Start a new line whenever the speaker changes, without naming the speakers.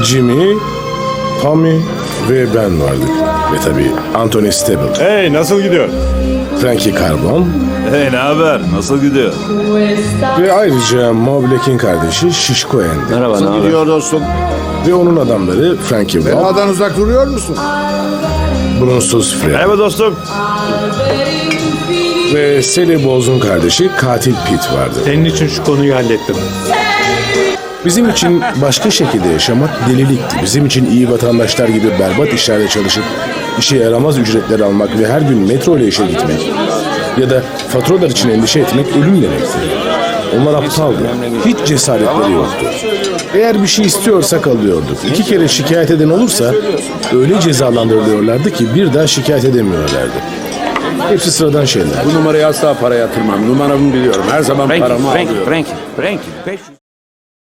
Jimmy, Tommy ve ben vardık. Ve tabii Anthony Stable,
Hey, nasıl gidiyor?
Frankie Carbon
Hey, ne haber? Nasıl gidiyor?
ve ayrıca Mo Black'in kardeşi Şişko Andy.
Merhaba, ne haber?
Gidiyor dostum.
Ve onun adamları Frankie Bob,
Beladan uzak duruyor musun?
Brunsuz Fred
Merhaba dostum.
ve Sally Bowles'un kardeşi Katil Pete vardı.
Senin için şu konuyu hallettim.
Bizim için başka şekilde yaşamak delilikti. Bizim için iyi vatandaşlar gibi berbat işlerde çalışıp işe yaramaz ücretler almak ve her gün metro ile işe gitmek ya da faturalar için endişe etmek ölüm demekti. Onlar aptaldı. Hiç cesaretleri yoktu. Eğer bir şey istiyorsak alıyorduk. 2 kere şikayet eden olursa öyle cezalandırılıyorlardı ki bir daha şikayet edemiyorlardı. Hepsi sıradan şeyler.
Bu numarayı asla para yatırmam. Numaramı biliyorum. Her zaman paramı alıyorum.
Frankie. 500.